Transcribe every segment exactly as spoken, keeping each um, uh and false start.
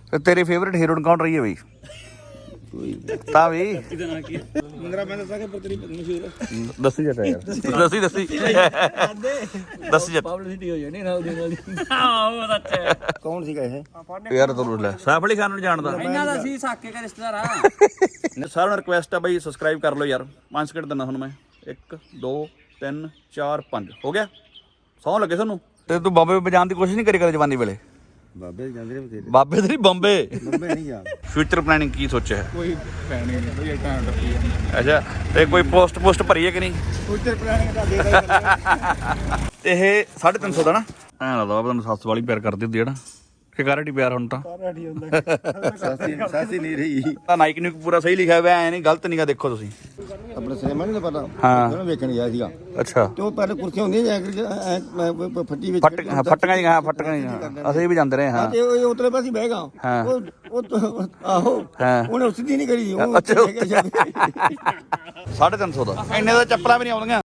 ਤੇ ਤੇਰੀ favourite heroin ਕੌਣ ਰਹੀ ਹੈ ਬਈ? ਤਾਂ ਵੀ ਮੰਗਰਾ ਮੈਂ ਦੱਸਾਂ ਕਿ ਪਰ ਤੇਰੀ ਮਸ਼ਹੂਰ ਦੱਸੀ ਜੱਟਾ ਯਾਰ ਦੱਸੀ ਦੱਸੀ ਦੱਸੀ ਜੱਟ ਪਬਲਿਸਿਟੀ ਹੋ ਜਾਣੀ ਨਾਲ ਦੀ ਨਾਲ ਆਹ ਉਹ ਅੱਛਾ ਕੌਣ ਸੀਗਾ ਇਹ ਯਾਰ ਤੈਨੂੰ ਲੈ ਸੈਫ ਅਲੀ ਖਾਨ ਨੂੰ ਜਾਣਦਾ ਇਹਨਾਂ ਦਾ ਸੀ ਸਾਕੇ ਦਾ ਰਿਸ਼ਤੇਦਾਰ ਆ ਸਾਰਿਆਂ ਨੂੰ ਰਿਕੁਐਸਟ ਆ ਬਈ ਸਬਸਕ੍ਰਾਈਬ ਕਰ ਲਓ ਯਾਰ। ਪੰਜ ਸਕਿੰਟ ਦਿੰਦਾ ਤੁਹਾਨੂੰ ਮੈਂ ਇੱਕ ਦੋ ਤਿੰਨ ਚਾਰ ਪੰਜ ਹੋ ਗਿਆ। ਸੌਂ ਲੱਗੇ ਤੁਹਾਨੂੰ ਤੇ ਤੂੰ ਬਾਬੇ ਵਜਾਉਣ ਦੀ ਕੋਸ਼ਿਸ਼ ਨਹੀਂ ਕਰੀ ਕਦੇ ਜਵਾਨੀ ਵੇਲੇ? ਬਾਬੇ ਜਾਂਦੇ ਨੇ ਬਥੇਰੇ ਬਾਬੇ ਤੇ ਨਹੀਂ ਬੰਬੇ ਬੰਬੇ ਨਹੀਂ ਜਾ ਫਿਊਚਰ ਪਲੈਨਿੰਗ ਕੀ ਸੋਚਿਆ? ਕੋਈ ਪਲੈਨਿੰਗ ਨਹੀਂ ਕੋਈ ਟਾਈਮ ਟੱਪੀ ਆ ਅੱਛਾ ਤੇ ਕੋਈ ਪੋਸਟ ਪੋਸਟ ਭਰੀ ਹੈ ਕਿ ਨਹੀਂ? ਫਿਊਚਰ ਪਲੈਨਿੰਗ ਤਾਂ ਦੇ ਦਾ ਇਹ ਸਾਢੇ ਤਿੰਨ ਸੌ ਦਾ ਨਾ ਐਂ ਲੱਗਦਾ ਤੁਹਾਨੂੰ ਸੱਸ ਵਾਲੀ ਪਿਆਰ ਕਰਦੀ ਹੁੰਦੀ ਹੈ ਨਾ ਸ਼ਿਕਾਰਟੀ ਪਿਆਰ ਹੁਣ ਤਾਂ ਸਾਰਾਟੀ ਹੁੰਦਾ ਸਾਸੀ ਸਾਸੀ ਨਹੀਂ ਰਹੀ ਤਾਂ ਨਾਈਕ ਨੂੰ ਪੂਰਾ ਸਹੀ ਲਿਖਿਆ ਹੋਇਆ ਐ ਨਹੀਂ ਗਲਤ ਨਹੀਂਗਾ। ਦੇਖੋ ਤੁਸੀਂ ਆਪਣੇ ਸਿਨੇਮਾ ਨਹੀਂ ਪਤਾ ਹਾਂ ਉਹਨੂੰ ਵੇਖਣ ਗਿਆ ਸੀਗਾ ਅੱਛਾ ਤੇ ਉਹ ਪਹਿਲੇ ਕੁਰਸੀਆਂ ਹੁੰਦੀਆਂ ਜਾਂ ਕਿ ਫੱਟੀ ਵਿੱਚ ਫੱਟ ਹਾਂ ਫੱਟੀਆਂ ਜੀ ਹਾਂ ਫੱਟੀਆਂ ਜੀ ਅਸੀਂ ਵੀ ਜਾਂਦੇ ਰਹੇ ਹਾਂ ਤੇ ਉਹ ਉਤਲੇ ਪਾਸੇ ਬਹਿ ਗਿਆ ਹਾਂ। ਉਹ ਉਹ ਆਹੋ ਹਾਂ ਉਹਨੇ ਸਿੱਧੀ ਨਹੀਂ ਕਰੀ ਉਹ ਅੱਛਾ ਸਾਢੇ ਤਿੰਨ ਸੌ ਦਾ ਇੰਨੇ ਦਾ ਚੱਪਲਾਂ ਵੀ ਨਹੀਂ ਆਉਂਦੀਆਂ।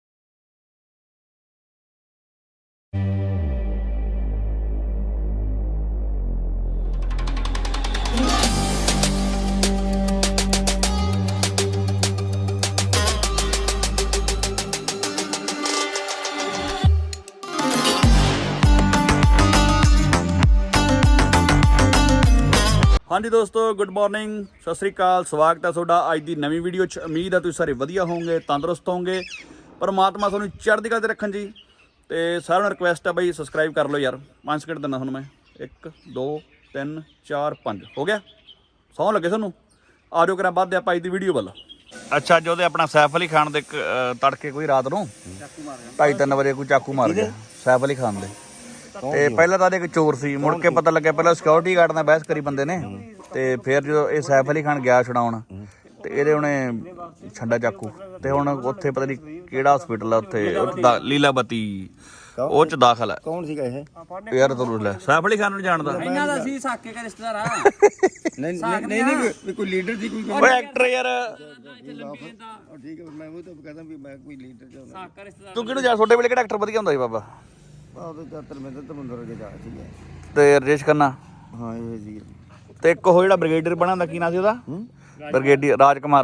ਹਾਂਜੀ ਦੋਸਤੋ ਗੁੱਡ ਮਾਰਨਿੰਗ ਸਤਿ ਸ੍ਰੀ ਅਕਾਲ ਸਵਾਗਤ ਹੈ ਤੁਹਾਡਾ ਅੱਜ ਦੀ ਨਵੀਂ ਵੀਡੀਓ 'ਚ। ਉਮੀਦ ਹੈ ਤੁਸੀਂ ਸਾਰੇ ਵਧੀਆ ਹੋਵੋਗੇ ਤੰਦਰੁਸਤ ਹੋਵੋਗੇ ਪਰਮਾਤਮਾ ਤੁਹਾਨੂੰ ਚੜ੍ਹਦੀ ਕਲਾ 'ਤੇ ਰੱਖਣ ਜੀ। ਤੇ ਸਾਰਿਆਂ ਨੂੰ ਰਿਕੁਐਸਟ ਹੈ ਬਈ ਸਬਸਕ੍ਰਾਈਬ ਕਰ ਲਓ ਯਾਰ। ਪੰਜ ਸਕਿੰਟ ਦਿੰਦਾ ਤੁਹਾਨੂੰ ਮੈਂ ਇੱਕ ਦੋ ਤਿੰਨ ਚਾਰ ਪੰਜ ਹੋ ਗਿਆ। ਸੌਂ ਲੱਗੇ ਤੁਹਾਨੂੰ ਆ ਜਾਓ ਕਰਾਂ ਵੱਧਦੇ ਆਪਾਂ ਅੱਜ ਦੀ ਵੀਡੀਓ ਵੱਲ। ਅੱਛਾ ਅੱਜ ਉਹਦੇ ਆਪਣਾ ਸੈਫ ਅਲੀ ਖਾਨ ਦੇ ਤੜਕੇ ਕੋਈ ਰਾਤ ਨੂੰ ਢਾਈ ਤਿੰਨ ਵਜੇ ਕੋਈ ਚਾਕੂ ਮਾਰ ਗਿਆ ਸੈਫ ਅਲੀ ਖਾਨ ਦੇ। ਤੇ ਪਹਿਲਾਂ ਤਾਂ ਇੱਕ ਚੋਰ ਸੀ ਮੁੜ ਕੇ ਪਤਾ ਲੱਗਿਆ ਪਹਿਲਾਂ ਸਿਕਿਉਰਿਟੀ ਗਾਰਡ ਨਾਲ ਬਹਿਸ ਕਰੀ ਬੰਦੇ ਨੇ ਤੇ ਫਿਰ ਜਦੋਂ ਇਹ ਸੈਫ ਅਲੀ ਖਾਨ ਗਿਆ ਛੁਡਾਉਣ ਤੇ ਇਹਦੇ ਉਹਨੇ ਛੱਡਾ ਚਾਕੂ ਤੇ ਹੁਣ ਉੱਥੇ ਪਤਾ ਨਹੀਂ ਕਿਹੜਾ ਹਸਪੀਟਲ ਆ ਉੱਥੇ ਲੀਲਾਵਤੀ ਉਹ ਚ ਦਾਖਲ ਹੈ। ਕੌਣ ਸੀਗਾ ਇਹ ਯਾਰ ਤੈਨੂੰ ਲੈ ਸੈਫ ਅਲੀ ਖਾਨ ਨੂੰ ਜਾਣਦਾ ਇਹਨਾਂ ਦਾ ਸੀ ਸਾਕੇ ਦਾ ਰਿਸ਼ਤੇਦਾਰ ਆ ਨਹੀਂ ਨਹੀਂ ਨਹੀਂ ਕੋਈ ਲੀਡਰ ਸੀ ਕੋਈ ਓਏ ਐਕਟਰ ਯਾਰ ਠੀਕ ਹੈ ਮੈਂ ਉਹ ਤਾਂ ਕਹਿੰਦਾ ਵੀ ਮੈਂ ਕੋਈ ਲੀਡਰ ਚਾਹੁੰਦਾ ਸਾਕਾ ਰਿਸ਼ਤੇਦਾਰ ਤੂੰ ਕਿਹਨੂੰ ਜਾ ਛੋਟੇ ਵੇਲੇ ਕਿਹੜਾ ਐਕਟਰ ਵਧੀਆ ਹੁੰਦਾ ਸੀ ਬਾਬਾ? ਆਹ ਤਾਂ ਚਾਤਰ ਮੈਂ ਤਾਂ ਤਮੰਦਰ ਕੇ ਜਾ ਸੀਗਾ ਤੇ ਰਜੇਸ਼ ਖੰਨਾ ਹਾਂ ਇਹ ਸੀ ਤੇ ਇੱਕ ਉਹ ਜਿਹੜਾ ਬ੍ਰਿਗੇਡੀਅਰ ਬਣਾਉਂਦਾ ਕੀ ਨਾਂ ਸੀ ਉਹਦਾ? ਬ੍ਰਿਗੇਡੀਅਰ ਰਾਜਕੁਮਾਰ।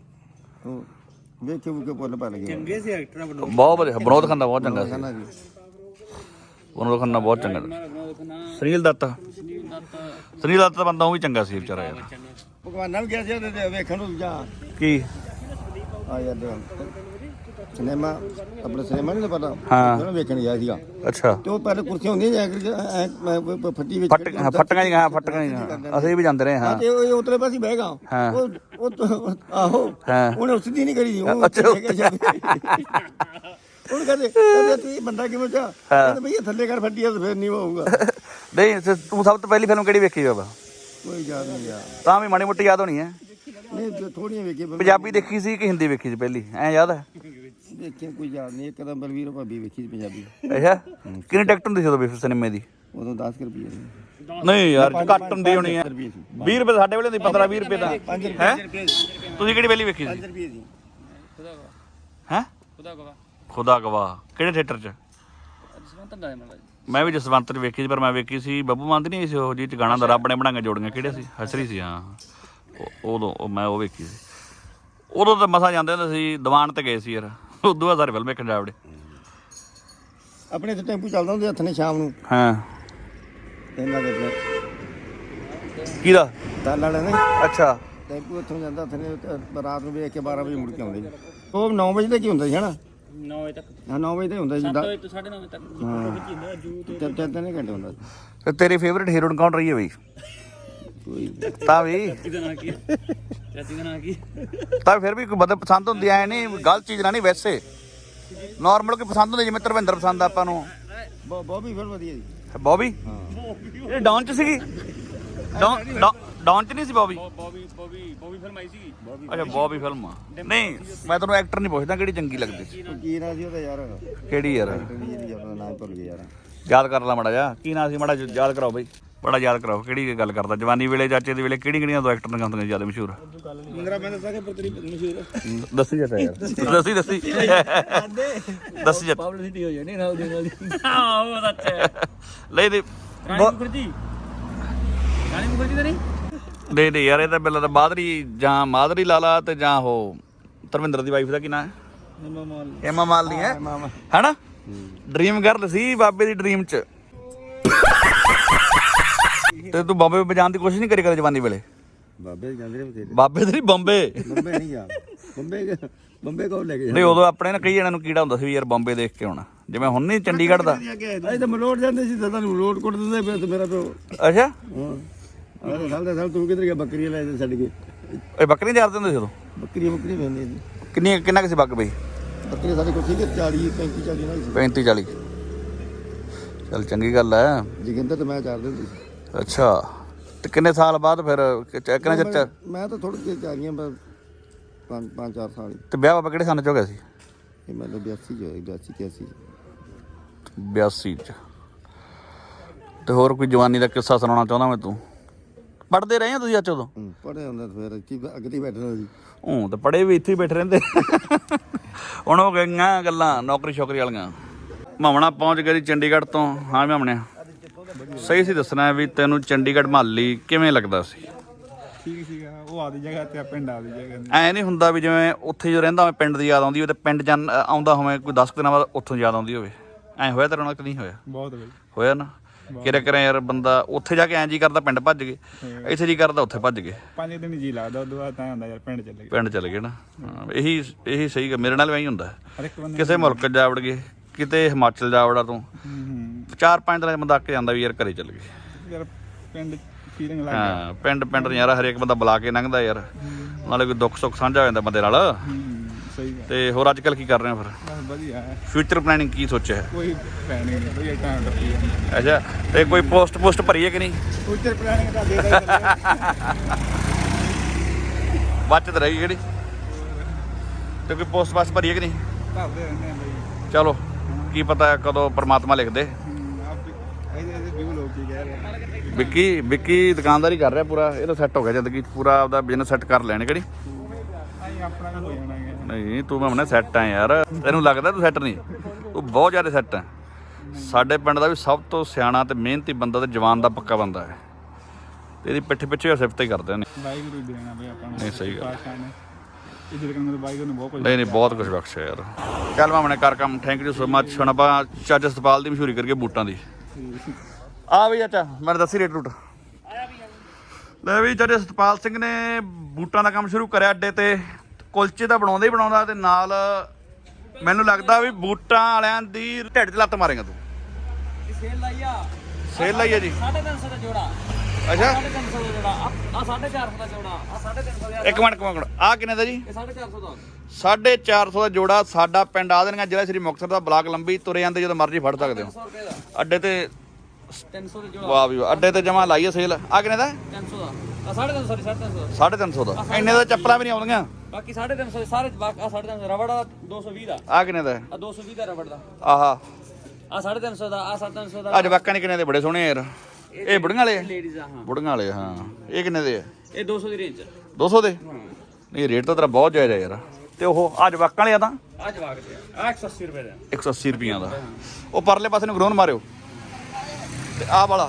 ਵੇਖੇ ਉਹ ਪੁੱਲ ਪਾ ਲਗੇ ਚੰਗੇ ਸੀ ਐਕਟਰ ਬਣੋ ਬਹੁਤ ਵਧੀਆ ਵਿਨੋਦ ਖੰਨਾ ਬਹੁਤ ਚੰਗਾ ਸੀ। ਜੀ ਵਿਨੋਦ ਖੰਨਾ ਬਹੁਤ ਚੰਗਾ ਸੀ। ਸੁਨੀਲ ਦੱਤ ਸੁਨੀਲ ਦੱਤ ਦਾ ਬੰਦਾ ਉਹ ਵੀ ਚੰਗਾ ਸੀ ਵਿਚਾਰਾ ਯਾਰ। ਭਗਵਾਨਾਂ ਵੀ ਗਿਆ ਸੀ ਉਹਦੇ ਵੇਖਣ ਨੂੰ ਜਾ ਕੀ ਆ ਯਾਰ ਸਿਨੇਮਾ ਆਪਣੇ ਸਿਨੇਮਾ ਨਹੀਂ ਪਤਾ ਹਾਂ ਉਹਨੂੰ ਵੇਖਣ ਗਿਆ ਸੀਗਾ ਅੱਛਾ ਤੇ ਉਹ ਪਹਿਲੇ ਕੁਰਸੀਆਂ ਹੁੰਦੀਆਂ ਜਾਂ ਕਿ ਫੱਟੀ ਵਿੱਚ ਫੱਟ ਹਾਂ ਫੱਟੀਆਂ ਜੀ ਹਾਂ ਫੱਟੀਆਂ ਜੀ ਅਸੀਂ ਵੀ ਜਾਂਦੇ ਰਹੇ ਹਾਂ ਤੇ ਉਹ ਉਤਲੇ ਪਾਸੇ ਬਹਿ ਗਿਆ ਉਹ ਉਹ ਆਹੋ ਉਹਨੇ ਸਿੱਧੀ ਨਹੀਂ ਕਰੀ ਉਹ ਅੱਛਾ ਉਹਨੂੰ ਕਹਿੰਦੇ ਕਹਿੰਦੇ ਤੂੰ ਇਹ ਬੰਦਾ ਕਿਵੇਂ ਚਾ ਕਹਿੰਦੇ ਭਈ ਥੱਲੇ ਕਰ ਫੱਟੀ ਤਾਂ ਫਿਰ ਨਹੀਂ ਹੋਊਗਾ। ਨਹੀਂ ਤੂੰ ਸਭ ਤੋਂ ਪਹਿਲੀ ਫਿਲਮ ਕਿਹੜੀ ਵੇਖੀ ਬਾਬਾ? ਕੋਈ ਯਾਦ ਨਹੀਂ ਯਾਰ ਤਾਂ ਵੀ ਮਾੜੀ ਮੋਟੀ ਯਾਦ ਹੋਣੀ ਹੈ। ਨਹੀਂ ਥੋੜੀਆਂ ਵੇਖੀ ਪੰਜਾਬੀ ਦੇਖੀ ਸੀ ਕਿ ਹਿੰਦੀ ਵੇਖੀ ਸੀ ਪਹਿਲੀ ਐ ਯਾਦ ਹੈ? ਦੇਖਿਆ ਕੋਈ ਯਾਦ ਨਹੀਂ। ਇੱਕ ਤਾਂ ਬਲਵੀਰ ਭਾਬੀ ਵੇਖੀ ਸੀ ਪੰਜਾਬੀ। ਅੱਛਾ ਕਿੰਨੀ ਟਿਕਟ ਹੁੰਦੀ ਸੀ ਉਦੋਂ ਸਿਨੇਮੇ ਦੀ? ਉਦੋਂ ਦਸ ਰੁਪਏ ਸੀ। ਨਹੀਂ ਯਾਰ ਘੱਟ ਹੁੰਦੀ ਹੋਣੀ ਹੈ। ਵੀਹ ਰੁਪਏ ਸਾਡੇ ਵੇਲੇ ਦੀ ਪੰਦਰਾਂ ਵੀਹ ਰੁਪਏ ਦਾ ਹੈ। ਤੁਸੀਂ ਕਿਹੜੀ ਵੇਲੀ ਵੇਖੀ ਸੀ? ਪੰਜ ਰੁਪਏ ਦੀ ਹੈ ਖੁਦਾ ਗਵਾ ਖੁਦਾ ਗਵਾਹ ਕਿਹੜੇ ਥੀਏਟਰ 'ਚ? ਮੈਂ ਵੀ ਜਸਵੰਤ 'ਚ ਵੇਖੀ ਸੀ ਪਰ ਮੈਂ ਵੇਖੀ ਸੀ ਬੱਬੂ ਮਾਨ ਦੀ ਨਹੀਂ ਸੀ ਉਹ ਜਿਹਦੇ 'ਚ ਗਾਣਾ ਦਾ ਰੱਬ ਨੇ ਬਣਾਈਆਂ ਜੋੜੀਆਂ ਕਿਹੜੇ ਸੀ ਹਸਰੀ ਸੀ ਹਾਂ ਉਦੋਂ ਮੈਂ ਉਹ ਵੇਖੀ ਸੀ। ਉਦੋਂ ਤਾਂ ਮਸਾਂ ਜਾਂਦੇ ਹੁੰਦੇ ਸੀ ਦੀਵਾਨ ਤੇ ਗਏ ਸੀ ਯਾਰ ਉਦੋਂ ਬਾਅਦ ਸਾਰੇ ਫਿਲਮ ਵੇਖਣ ਜਾ ਵੜੇ। ਆਪਣੇ ਇੱਥੇ ਟੈਂਪੂ ਚੱਲਦਾ ਹੁੰਦੇ ਹੱਥ ਨੇ ਸ਼ਾਮ ਨੂੰ ਹਾਂ ਇਹਨਾਂ ਦੇ ਆਪਣੇ ਕਿਹਦਾ? ਤਾਲ ਵਾਲੇ ਨੇ ਅੱਛਾ ਟੈਂਪੂ ਇੱਥੋਂ ਜਾਂਦਾ ਹੱਥ ਨੇ ਰਾਤ ਨੂੰ ਵੇਖ ਕੇ ਬਾਰਾਂ ਵਜੇ ਮੁੜ ਕੇ ਆਉਂਦੇ ਉਹ ਨੌ ਵਜੇ ਤੱਕ ਹੀ ਹੁੰਦਾ ਸੀ ਹਨਾ ਨੌ ਵਜੇ ਤੱਕ ਹਾਂ ਨੌ ਵਜੇ ਤੱਕ ਹੁੰਦਾ ਸੀ ਸੱਤ ਵਜੇ ਤੋਂ ਸਾਢੇ ਨੌ ਵਜੇ ਤੱਕ ਹਾਂ ਤਿੰਨ ਤਿੰਨ ਘੰਟੇ ਹੁੰਦਾ ਸੀ। ਤੇ ਤੇਰੀ ਫੇਵਰਿਟ ਹੀਰੋਇਨ ਕੌਣ ਰਹੀ ਹੈ ਬਈ? ਕੋਈ ਤਾਂ ਵੀ ਤਾਂ ਫਿਰ ਵੀ ਕੋਈ ਬੰਦੇ ਪਸੰਦ ਹੁੰਦੀ ਐ ਨਹੀਂ ਗਲਤ ਚੀਜ਼ ਨਾ ਨਹੀਂ ਵੈਸੇ ਨਾਰਮਲ ਕੋਈ ਪਸੰਦ ਹੁੰਦੀ ਜਿਵੇਂ ਧਰਮਿੰਦਰ ਪਸੰਦ ਆਪਾਂ ਨੂੰ। ਬੋਬੀ ਫਿਰ ਵਧੀਆ ਜੀ ਬੋਬੀ ਇਹ ਡਾਊਨ ਚ ਸੀਗੀ ਡਾਊਨ ਡਾਊਨ ਚ ਨਹੀਂ ਸੀ ਬੋਬੀ? ਬੋਬੀ ਬੋਬੀ ਬੋਬੀ ਫਿਲਮ ਆਈ ਸੀ। ਅੱਛਾ ਬੋਬੀ ਫਿਲਮ ਆ ਨਹੀਂ ਮੈਂ ਤੁਹਾਨੂੰ ਐਕਟਰ ਨਹੀਂ ਪੁੱਛਦਾ ਕਿਹੜੀ ਚੰਗੀ ਲੱਗਦੀ ਸੀ। ਕੀ ਨਾਂ ਸੀ ਉਹਦਾ ਯਾਰ? ਕਿਹੜੀ ਯਾਰ ਨਾਮ ਭੁੱਲ ਗਿਆ ਯਾਰ ਯਾਦ ਕਰ ਲਾ ਮਾੜਾ ਜਿਹਾ ਕੀ ਨਾਂ ਸੀ ਮਾੜਾ ਯਾਦ ਕਰਾਓ ਬਈ ਬੜਾ ਯਾਦ ਕਰਾਓ ਕਿਹੜੀ ਗੱਲ ਕਰਦਾ ਜਵਾਨੀ ਵੇਲੇ ਚਾਚੇ ਦੇ ਵੇਲੇ ਕਿਹੜੀ ਕਿਹੜੀਆਂ ਦੋ ਐਕਟਰ ਦੀਆਂ ਹੁੰਦੀਆਂ ਜ਼ਿਆਦਾ ਮਸ਼ਹੂਰ? ਮੰਗਰਾ ਮੈਂ ਦੱਸਾਂ ਕਿ ਪਰ ਤੇਰੀ ਮਸ਼ਹੂਰ ਦੱਸੀ ਜੱਟਾ ਯਾਰ ਦੱਸੀ ਦੱਸੀ ਦੱਸੀ ਜੱਟ ਪਬਲਿਸਿਟੀ ਹੋ ਜਾਣੀ ਨਾਲ ਦੀ ਨਾਲ ਆਹ ਉਹ ਅੱਛਾ ਲੈ ਦੇ ਰਾਣੀ ਮੁਖਰਜੀ ਰਾਣੀ ਮੁਖਰਜੀ ਤਾਂ ਨਹੀਂ ਦੇ ਦੇ ਯਾਰ, ਇਹ ਤਾਂ ਬਿੱਲਾ ਤਾਂ ਬਾਦਰੀ ਜਾਂ ਮਾਦਰੀ ਲਾਲਾ ਤੇ ਜਾਂ ਉਹ ਧਰਮਿੰਦਰ ਦੀ ਵਾਈਫ ਦਾ ਕੀ ਨਾਂ ਹੈ, ਏਮਾ ਮਾਲਨੀ ਹੈ ਹੈਨਾ। ਡ੍ਰੀਮ ਗਰਲ ਸੀ ਬਾਬੇ ਦੀ ਡ੍ਰੀਮ ਚ। ਤੇ ਤੂੰ ਬਾਬੇ ਵਜਾਉਣ ਦੀ ਕੋਸ਼ਿਸ਼ ਨਹੀਂ ਕਰੀ ਕਦੇ ਜਵਾਨੀ ਵੇਲੇ? ਬਾਬੇ ਜਾਂਦੇ ਨੇ ਬਥੇਰੇ। ਬਾਬੇ ਤੇ ਨਹੀਂ, ਬੰਬੇ ਬੰਬੇ ਨਹੀਂ ਜਾ, ਬੰਬੇ ਬੰਬੇ ਕੋਲ ਲੈ ਕੇ ਨਹੀਂ। ਉਦੋਂ ਆਪਣੇ ਨਾ ਕਈ ਜਣਿਆਂ ਨੂੰ ਕੀੜਾ ਹੁੰਦਾ ਸੀ ਵੀ ਯਾਰ ਬੰਬੇ ਦੇਖ ਕੇ ਆਉਣਾ, ਜਿਵੇਂ ਹੁਣ ਨਹੀਂ ਚੰਡੀਗੜ੍ਹ ਦਾ। ਅਸੀਂ ਤਾਂ ਮਲੋਟ ਜਾਂਦੇ ਸੀ ਤਾਂ ਤੁਹਾਨੂੰ ਮਲੋਟ ਕੁੱਟ ਦਿੰਦੇ ਫਿਰ ਤੇ ਮੇਰਾ ਪਿਓ। ਅੱਛਾ, ਹਾਂ ਅਰੇ ਸਾਲ ਦਾ ਸਾਲ ਤੂੰ ਕਿੱਧਰ ਗਿਆ? ਬੱਕਰੀਆਂ ਲੈ ਕੇ ਛੱਡ ਕੇ। ਇਹ ਬੱਕਰੀਆਂ ਚਾਰਦੇ ਹੁੰਦੇ ਸੀ ਉਦੋਂ? ਬੱਕਰੀਆਂ ਬੱਕਰੀਆਂ ਲੈਂਦੇ ਸੀ। ਕਿੰਨੀ ਕਿੰਨਾ ਕਿਸੇ ਬੱਕ ਬਈ? ਬੱਕਰੀਆਂ ਸਾਡੇ ਕੋਲ ਸੀਗੇ ਚਾਲੀ ਪੈਂਤੀ ਚਾਲੀ ਨਾਲ ਸੀ। ਪੈਂਤੀ ਚਾਲੀ। ਚੱਲ ਚੰਗੀ ਗੱਲ ਹੈ। ਜੋਗਿੰਦਰ ਤੇ ਮੈਂ ਚਾਰਦੇ ਹੁੰਦੇ ਸੀ। ਅੱਛਾ, ਤੇ ਕਿੰਨੇ ਸਾਲ ਬਾਅਦ ਫਿਰ ਕਿੰਨਾ ਚਿਰ ਚ? ਮੈਂ ਤਾਂ ਥੋੜੀ ਜਿਹੀ ਚਾਰੀਆਂ ਬਸ ਪੰਜ ਪੰਜ ਚਾਰ ਸਾਲ ਹੀ। ਤੇ ਵਿਆਹ ਬਾਬਾ ਕਿਹੜੇ ਸਾਲ ਚ ਹੋ ਗਿਆ ਸੀ? ਇਹ ਮਤਲਬ ਬਿਆਸੀ ਚ ਹੋਇਆ, ਬਿਆਸੀ ਇਕਿਆਸੀ ਬਿਆਸੀ ਚ। ਤੇ ਹੋਰ ਕੋਈ ਜਵਾਨੀ ਦਾ ਕਿੱਸਾ ਸੁਣਾਉਣਾ ਚਾਹੁੰਦਾ ਮੈਂ? ਤੂੰ ਪੜ੍ਹਦੇ ਰਹੇ ਆ ਤੁਸੀਂ ਅੱਜ ਉਦੋਂ? ਪੜ੍ਹੇ ਹੁੰਦਾ ਫਿਰ ਕੀ ਅੱਗੇ ਤੇ ਬੈਠਣਾ ਸੀ। ਹੂੰ, ਤੇ ਪੜ੍ਹੇ ਵੀ ਇੱਥੇ ਹੀ ਬੈਠੇ ਰਹਿੰਦੇ। ਹੁਣ ਹੋ ਗਈਆਂ ਗੱਲਾਂ ਨੌਕਰੀ ਸ਼ੌਕਰੀ ਵਾਲੀਆਂ। ਮਾਮਣਾ ਪਹੁੰਚ ਗਿਆ ਜੀ ਚੰਡੀਗੜ੍ਹ ਤੋਂ। ਹਾਂ ਮਾਮਣਿਆ, ਸਹੀ ਸੀ ਦੱਸਣਾ ਵੀ ਤੈਨੂੰ ਚੰਡੀਗੜ੍ਹ ਮੁਹਾਲੀ ਕਿਵੇਂ ਲੱਗਦਾ ਸੀ? ਠੀਕ ਸੀਗਾ, ਉਹ ਆਦੀ ਜਗ੍ਹਾ ਤੇ ਪਿੰਡ ਆਦੀ ਜਗ੍ਹਾ। ਐ ਨਹੀਂ ਹੁੰਦਾ ਵੀ ਜਿਵੇਂ ਉੱਥੇ ਜੋ ਰਹਿੰਦਾ ਹੋਵੇ ਪਿੰਡ ਦੀ ਯਾਦ ਆਉਂਦੀ ਹੋਵੇ ਤੇ ਪਿੰਡ ਜਾਂ ਆਉਂਦਾ ਹੋਵੇ ਕੋਈ ਦਸ ਦਿਨਾਂ ਬਾਅਦ ਉੱਥੋਂ ਯਾਦ ਆਉਂਦੀ ਹੋਵੇ? ਐ ਹੋਇਆ ਤੇਰੇ ਨਾਲ ਕਿ ਨਹੀਂ ਹੋਇਆ? ਬਹੁਤ ਬਈ ਹੋਇਆ ਨਾ। ਕਿਰੇ ਕਿਰੇ ਯਾਰ ਬੰਦਾ ਉੱਥੇ ਜਾ ਕੇ ਐਂ ਜੀ ਕਰਦਾ ਪਿੰਡ ਭੱਜ ਗਏ, ਇੱਥੇ ਜੀ ਕਰਦਾ ਉੱਥੇ ਭੱਜ ਗਏ। ਪੰਜ ਦਿਨ ਜੀ ਲੱਗਦਾ, ਉਦੋਂ ਬਾਅਦ ਤਾਂ ਹੁੰਦਾ ਯਾਰ ਪਿੰਡ ਚੱਲੇ ਗਏ। ਪਿੰਡ ਚਲੇ ਗਏ ਨਾ। ਹਾਂ, ਇਹੀ ਇਹੀ ਸਹੀ ਗਾ। ਮੇਰੇ ਨਾਲ ਵੀ ਐਂ ਹੁੰਦਾ। ਹਰ ਇੱਕ ਬੰਦੇ ਕਿਸੇ ਮੁਲਕ ਜਾ ਵੜ ਗਏ, ਕਿਤੇ ਹਿਮਾਚਲ ਜਾ ਵੜਾ ਤੂੰ, ਹੂੰ ਚਾਰ ਪੰਜ ਦਿਨਾਂ ਚ ਬੰਦਾ ਅੱਕ ਜਾਂਦਾ ਵੀ ਯਾਰ ਘਰੇ ਚੱਲ ਗਏ। ਯਾਰ ਪਿੰਡ ਫੀਲਿੰਗ ਲੱਗ ਹਾਂ, ਪਿੰਡ ਪਿੰਡ ਨਜ਼ਾਰਾ ਹਰੇਕ ਬੰਦਾ ਬੁਲਾ ਕੇ ਲੰਘਦਾ ਯਾਰ, ਨਾਲੇ ਕੋਈ ਦੁੱਖ ਸੁੱਖ ਸਾਂਝਾ ਹੋ ਜਾਂਦਾ ਬੰਦੇ ਨਾਲ। ਹੂੰ ਸਹੀ ਗੱਲ। ਤੇ ਹੋਰ ਅੱਜ ਕੱਲ੍ਹ ਕੀ ਕਰ ਰਹੇ ਹੋ ਫਿਰ? ਬਸ ਵਧੀਆ ਹੈ, ਫਿਊਚਰ ਪਲੈਨਿੰਗ ਕੀ ਸੋਚਿਆ ਹੈ? ਕੋਈ ਪਲੈਨਿੰਗ ਨਹੀਂ ਬਈ, ਟਾਈਮ ਟੱਪੀ ਜਾਂਦਾ। ਅੱਛਾ, ਤੇ ਕੋਈ ਪੋਸਟ ਪੋਸਟ ਭਰੀਏ ਕਿ ਨਹੀਂ? ਫਿਊਚਰ ਪਲੈਨਿੰਗ ਤਾਂ ਦੇ ਦੇ ਬਚਤ ਰਹੀ ਕਿਹੜੀ? ਤੇ ਕੋਈ ਪੋਸਟ ਪਾਸਟ ਭਰੀਏ ਕਿ ਨਹੀਂ? ਕਰਦੇ ਰਹਿੰਦੇ ਆ ਬਈ। ਚਲੋ, ਕੀ ਪਤਾ ਕਦੋਂ ਪਰਮਾਤਮਾ ਲਿਖ ਦੇ। ਹੂੰ ਆਪ ਇਹਦੇ ਇਹਦੇ ਵੀ ਲੋਕ ਕੀ ਕਹਿ ਰਹੇ ਆ। ਵਿੱਕੀ ਵਿੱਕੀ ਦੁਕਾਨਦਾਰੀ ਕਰ ਰਿਹਾ ਪੂਰਾ, ਇਹ ਤਾਂ ਸੈੱਟ ਹੋ ਗਿਆ ਜ਼ਿੰਦਗੀ 'ਚ ਪੂਰਾ, ਆਪਦਾ ਬਿਜ਼ਨਸ ਸੈੱਟ ਕਰ ਲੈਣੇ ਕਿਹੜੀ? ਅਸੀਂ ਆਪਣਾ ਵੀ ਹੋ ਜਾਣਾ ਹੈ। ਨਹੀਂ, ਤੂੰ ਮੈਂ ਸੈੱਟ ਆ ਯਾਰ, ਤੈਨੂੰ ਲੱਗਦਾ ਤੂੰ ਸੈੱਟ ਨਹੀਂ? ਤੂੰ ਬਹੁਤ ਜ਼ਿਆਦਾ ਸੈੱਟ ਹੈ। ਸਾਡੇ ਪਿੰਡ ਦਾ ਵੀ ਸਭ ਤੋਂ ਸਿਆਣਾ ਤੇ ਮਿਹਨਤੀ ਬੰਦਾ ਤੇ ਜਵਾਨ ਦਾ ਪੱਕਾ ਬੰਦਾ ਹੈ, ਤੇ ਇਹਦੀ ਪਿੱਠ ਪਿੱਛੇ ਸਿਫਤ ਹੀ ਕਰਦੇ ਨੇ। ਵਾਹਿਗੁਰੂ ਹੀ ਦੇਣਾ ਬਈ ਆਪਾਂ ਨੂੰ। ਨਹੀਂ ਸਹੀ ਗੱਲ। ਪਾਤਸ਼ਾਹ ਨੇ ਇੱਜ਼ਤ ਕਰਨ ਨੂੰ ਵਾਹਿਗੁਰੂ ਨੂੰ ਬਹੁਤ ਕੁਝ। ਨਹੀਂ ਨਹੀਂ, ਬਹੁਤ ਕੁਝ ਬਖਸ਼ਿਆ ਯਾਰ। ਚੱਲ ਮਾਮਣੇ ਕਰ ਕੰਮ। Thank you so much. ਹੁਣ ਆਪਾਂ ਚੱਜ ਸਤਪਾਲ ਦੀ ਮਸ਼ਹੂਰੀ ਕਰਕੇ ਬੂਟਾਂ ਦੀ। ਆ ਵੀ ਚਾਚਾ ਮੈਨੂੰ ਦੱਸੀ ਰੇਟ ਰੂਟ। ਲੈ ਵੀ ਚਾਚਾ ਸਤਪਾਲ ਸਿੰਘ ਨੇ ਬੂਟਾਂ ਦਾ ਕੰਮ ਸ਼ੁਰੂ ਕਰਿਆ ਅੱਡੇ ਤੇ। ਕੁਲਚੇ ਤਾਂ ਬਣਾਉਂਦਾ ਹੀ ਬਣਾਉਂਦਾ, ਤੇ ਨਾਲ ਮੈਨੂੰ ਲੱਗਦਾ ਵੀ ਬੂਟਾਂ ਵਾਲਿਆਂ ਦੀ ਢਿੱਡ 'ਚ ਲੱਤ ਮਾਰੇਗਾ ਤੂੰ। ਸੇਲ ਲਾਈ ਆ, ਸੇਲ ਲਾਈ ਆ ਜੀ। ਸਾਢੇ ਤਿੰਨ ਸੌ ਦਾ ਜੋੜਾ। ਅੱਛਾ, ਸਾਢੇ ਤਿੰਨ ਸੌ ਦਾ ਜੋੜਾ। ਆ ਸਾਢੇ ਚਾਰ ਸੌ ਦਾ ਜੋੜਾ। ਆ ਸਾਢੇ ਤਿੰਨ ਸੌ ਦਾ। ਇੱਕ ਮਿੰਟ ਇੱਕ ਮਿੰਟ, ਆਹ ਕਿੰਨੇ ਦਾ ਜੀ? ਇਹ ਸਾਢੇ ਚਾਰ ਸੌ ਦਾ। ਸਾਢੇ ਚਾਰ ਸੌ ਦਾ ਜੋੜਾ। ਸਾਡਾ ਪਿੰਡ ਆ ਦੇਣਗਾ, ਜ਼ਿਲ੍ਹਾ ਸ੍ਰੀ ਮੁਕਤਸਰ ਦਾ, ਬਲਾਕ ਲੰਬੀ। ਤੁਰੇ ਜਾਂਦੇ ਜਦੋਂ ਮਰਜ਼ੀ ਫੜ ਸਕਦੇ ਹੋ। ਸੌ ਰੁਪਏ ਦਾ ਅੱਡੇ ਤੇ ਤਿੰਨ ਸੌ ਦਾ ਜੋੜਾ। ਵਾਹ ਵੀ ਵਾਹ, ਅੱਡੇ ਤੇ ਜਮਾ ਲਾਈਏ ਸੇਲ। ਆ ਕਿੰਨੇ ਦਾ? ਤਿੰਨ ਸੌ ਦਾ। ਆ ਸਾਢੇ ਤਿੰਨ ਸੌ ਦੀ। ਸਾਢੇ ਤਿੰਨ ਸੌ ਦਾ। ਸਾਢੇ ਤਿੰਨ ਸੌ ਦਾ। ਇੰਨੇ ਦਾ ਚੱਪਲਾਂ ਵੀ ਨਹੀਂ ਆਉਂਦੀਆਂ। ਬਾਕੀ ਸਾਢੇ ਤਿੰਨ ਸੌ ਦੇ ਸਾਰੇ। ਆ ਸਾਢੇ ਤਿੰਨ ਸੌ ਰਬੜ ਦਾ ਦੋ ਸੌ ਵੀਹ ਦਾ। ਆ ਕਿੰਨੇ ਦਾ? ਆ ਦੋ ਸੌ ਵੀਹ ਦਾ ਰਬੜ ਦਾ। ਆਹਾ, ਆ ਸਾਢੇ ਤਿੰਨ ਸੌ ਦਾ। ਆ ਸਾਢੇ ਤਿੰਨ ਸੌ ਦਾ। ਅੱਜ ਵਾਕਾਂ ਨੇ ਕਿੰਨੇ ਦੇ? ਬੜੇ ਸੋਹਣੇ ਯਾਰ। ਇਹ ਬੁੜੀਆਂ ਵਾਲੇ ਆ? ਲੇਡੀਜ਼ ਆ ਹਾਂ। ਬੁੜੀਆਂ ਵਾਲੇ ਹਾਂ। ਇਹ ਕਿੰਨੇ ਦੇ ਆ? ਇਹ ਦੋ ਸੌ ਦੀ ਰੇਂਜ। ਦੋ ਸੌ ਦੇ? ਨਹੀਂ, ਰੇਟ ਤਾਂ ਤੇਰਾ ਬਹੁਤ ਜਾਇਜ਼ ਹੈ ਯਾਰ। ਤੇ ਉਹ ਅੱਜ ਵਾਕਾਂ ਵਾਲੇ ਆ ਤਾਂ ਆ ਜਵਾਕ ਦੇ ਆ ਇੱਕ ਸੌ ਅੱਸੀ ਰੁਪਏ ਦਾ। ਇੱਕ ਸੌ ਅੱਸੀ ਰੁਪਈਆਂ ਦਾ। ਉਹ ਪਰਲੇ ਪਾਸੇ ਨੂੰ ਗਰੋਨ ਮਾਰਿਓ। ਤੇ ਆਹ ਵਾਲਾ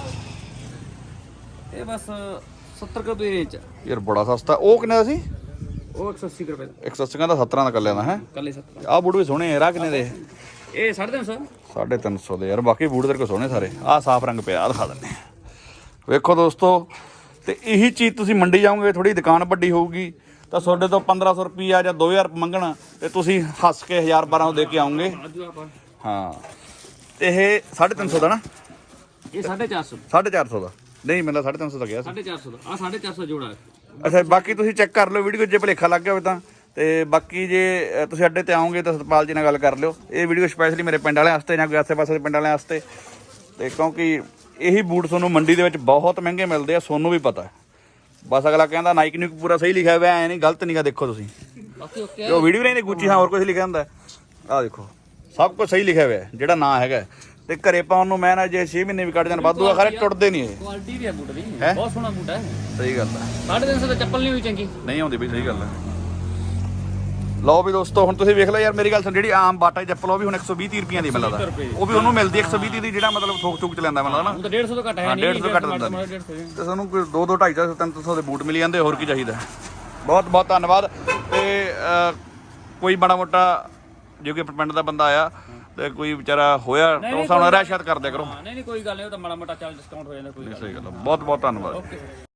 ਇਹ ਬਸ ਸੱਤਰ ਕੁ ਰੁਪਏ ਦੀ ਰੇਂਜ। ਯਾਰ ਬੜਾ ਸਸਤਾ। ਉਹ ਕਿੰਨੇ ਦਾ ਸੀ? ਉਹ ਇੱਕ ਸੌ ਅੱਸੀ ਰੁਪਏ ਦਾ। ਇੱਕ ਸੌ ਅੱਸੀ ਦਾ ਸੱਤਰਾਂ ਦਾ ਕੱਲਿਆਂ ਦਾ ਹੈ। ਕੱਲੇ ਸੱਤਰ। ਆਹ ਬੂਟ ਵੀ ਸੋਹਣੇ ਯਾਰ। ਆਹ ਕਿੰਨੇ ਦੇ? ਇਹ ਸਾਢੇ ਤਿੰਨ ਸੌ। ਸਾਢੇ ਤਿੰਨ ਸੌ ਦੇ ਯਾਰ। ਬਾਕੀ ਬੂਟ ਤੇਰੇ ਕੋਲ ਸੋਹਣੇ ਸਾਰੇ। ਆਹ ਸਾਫ ਰੰਗ ਪਿਆ, ਆਹ ਦਿਖਾ ਦਿੰਦੇ ਆ। ਵੇਖੋ ਦੋਸਤੋ, ਤੇ ਇਹੀ ਚੀਜ਼ ਤੁਸੀਂ ਮੰਡੀ ਜਾਓਗੇ, ਥੋੜੀ ਦੁਕਾਨ ਵੱਡੀ ਹੋਊਗੀ, ਤਾਂ ਤੁਹਾਡੇ ਤੋਂ ਪੰਦਰਾਂ ਸੌ ਰੁਪਈਆ ਜਾਂ ਦੋ ਹਜ਼ਾਰ ਮੰਗਣਾ, ਤੇ ਤੁਸੀਂ ਹੱਸ ਕੇ ਹਜ਼ਾਰ ਬਾਰਾਂ ਦੇ ਕੇ ਆਉਂਗੇ। ਹਾਂ, ਤੇ ਇਹ ਸਾਢੇ ਤਿੰਨ ਸੌ ਦਾ ਨਾ? ਇਹ ਸਾਢੇ ਚਾਰ ਸੌ। ਸਾਢੇ ਚਾਰ ਸੌ ਦਾ? ਨਹੀਂ, ਮੈਨੂੰ ਸਾਢੇ ਤਿੰਨ ਸੌ ਦਾ ਗਿਆ ਸੀ। ਸਾਢੇ ਚਾਰ ਸੌ ਦਾ। ਆ ਸਾਢੇ ਚਾਰ ਸੌ ਜੋੜਾ। ਅੱਛਾ, ਬਾਕੀ ਤੁਸੀਂ ਚੈੱਕ ਕਰ ਲਿਓ ਵੀਡੀਓ, ਜੇ ਭੁਲੇਖਾ ਲੱਗ ਗਿਆ ਹੋਵੇ ਤਾਂ। ਤੇ ਬਾਕੀ ਜੇ ਤੁਸੀਂ ਅੱਡੇ ਤੇ ਆਓਗੇ ਤਾਂ ਸਤਪਾਲ ਜੀ ਨਾਲ ਗੱਲ ਕਰ ਲਿਓ। ਇਹ ਵੀਡੀਓ ਸਪੈਸ਼ਲੀ ਮੇਰੇ ਪਿੰਡ ਵਾਲਿਆਂ ਵਾਸਤੇ ਜਾਂ ਕੋਈ ਆਸੇ ਪਾਸੇ ਦੇ ਪਿੰਡ ਵਾਲਿਆਂ ਵਾਸਤੇ। ਤੇ ਕਿਉਂਕਿ ਇਹੀ ਬੂਟ ਤੁਹਾਨੂੰ ਮੰਡੀ ਦੇ ਵਿੱਚ ਬਹੁਤ ਮਹਿੰਗੇ ਮਿਲਦੇ ਆ, ਤੁਹਾਨੂੰ ਵੀ ਪਤਾ। ਬਸ ਅਗਲਾ ਕਹਿੰਦਾ ਨਾਈਕ ਨਿਊਕ ਪੂਰਾ ਸਹੀ ਲਿਖਿਆ ਹੋਇਆ, ਐ ਨਹੀਂ ਗਲਤ ਨਹੀਂਗਾ। ਦੇਖੋ ਤੁਸੀਂ ਬਾਕੀ ਓਕੇ। ਉਹ ਵੀਡੀਓ ਨਹੀਂ ਗੁੱਚੀ, ਹਾਂ ਹੋਰ ਕੁਝ ਲਿਖਿਆ ਹੁੰਦਾ। ਆਹ ਦੇਖੋ, ਸਭ ਕੁਝ ਸਹੀ ਲਿਖਿਆ ਹੋਇਆ ਜਿਹੜਾ ਨਾਂ ਹੈਗਾ। ਤੇ ਘਰੇ ਪਾਉਣ ਨੂੰ ਮੈਂ ਨਾ ਜੇ ਛੇ ਮਹੀਨੇ ਵੀ ਕੱਢ ਜਾਣ ਵਾਧੂ ਆ, ਖਰੇ ਟੁੱਟਦੇ ਨਹੀਂ ਇਹ। ਕੁਆਲਿਟੀ ਵੀ ਹੈ ਬੂਟ ਦੀ, ਹੈਂ? ਬਹੁਤ ਸੋਹਣਾ ਬੂਟ ਹੈ। ਸਹੀ ਗੱਲ ਹੈ। ਸਾਢੇ ਤਿੰਨ ਸੌ ਦਾ ਚੱਪਲ ਨਹੀਂ ਹੋਈ ਚੰਗੀ। ਨਹੀਂ ਆਉਂਦੀ ਬਈ, ਸਹੀ ਗੱਲ ਹੈ। ਲਓ ਵੀ ਦੋਸਤੋ ਹੁਣ ਤੁਸੀਂ ਵੇਖ ਲਓ ਯਾਰ ਮੇਰੀ ਗੱਲ ਸੁਣ ਜਿਹੜੀ ਆਮ ਬਾਟਾ ਦੀ ਚੱਪਲ ਉਹ ਵੀ ਹੁਣ ਇੱਕ ਸੌ ਵੀਹ ਤੀਹ ਰੁਪਈਆਂ ਦੀ ਮਿਲਦਾ ਉਹ ਵੀ ਉਹਨੂੰ ਮਿਲਦੀ ਇੱਕ ਸੌ ਵੀਹ ਦੀ ਜਿਹੜਾ ਮਤਲਬ ਥੋਕ ਥੋਕ ਚ ਲੈਂਦਾ ਮਿਲਦਾ ਨਾ ਹੁਣ ਤਾਂ ਡੇਢ ਸੌ ਤੋਂ ਘੱਟ ਹੈ ਹਾਂ ਨਹੀਂ ਡੇਢ ਸੌ ਘੱਟ ਦਿੰਦਾ ਤੇ ਸਾਨੂੰ ਕੋਈ ਦੋ ਦੋ ਢਾਈ ਸੌ ਤਿੰਨ ਸੌ ਦੇ ਬੂਟ ਮਿਲ ਜਾਂਦੇ ਹੋਰ ਕੀ ਚਾਹੀਦਾ ਬਹੁਤ ਬਹੁਤ ਧੰਨਵਾਦ ਤੇ ਅਹ, ਕੋਈ ਬੜਾ ਮੋਟਾ ਜੇ ਕੋਈ ਪਿੰਡ ਦਾ ਬੰਦਾ ਆਇਆ ਤੇ ਕੋਈ ਵਿਚਾਰਾ ਹੋਇਆ ਤਾਂ ਉਸ ਨਾਲ ਰਹਿ ਸ਼ਾਇਦ ਕਰ ਦਿਆ ਕਰੋ ਨਹੀਂ ਨਹੀਂ ਕੋਈ ਗੱਲ ਨਹੀਂ ਉਹ ਤਾਂ ਮਾੜਾ ਮੋਟਾ ਚੱਲ ਡਿਸਕਾਊਂਟ ਹੋ ਜਾਂਦਾ ਕੋਈ ਸਹੀ ਗੱਲ ਆ। ਬਹੁਤ ਬਹੁਤ ਧੰਨਵਾਦ ਓਕੇ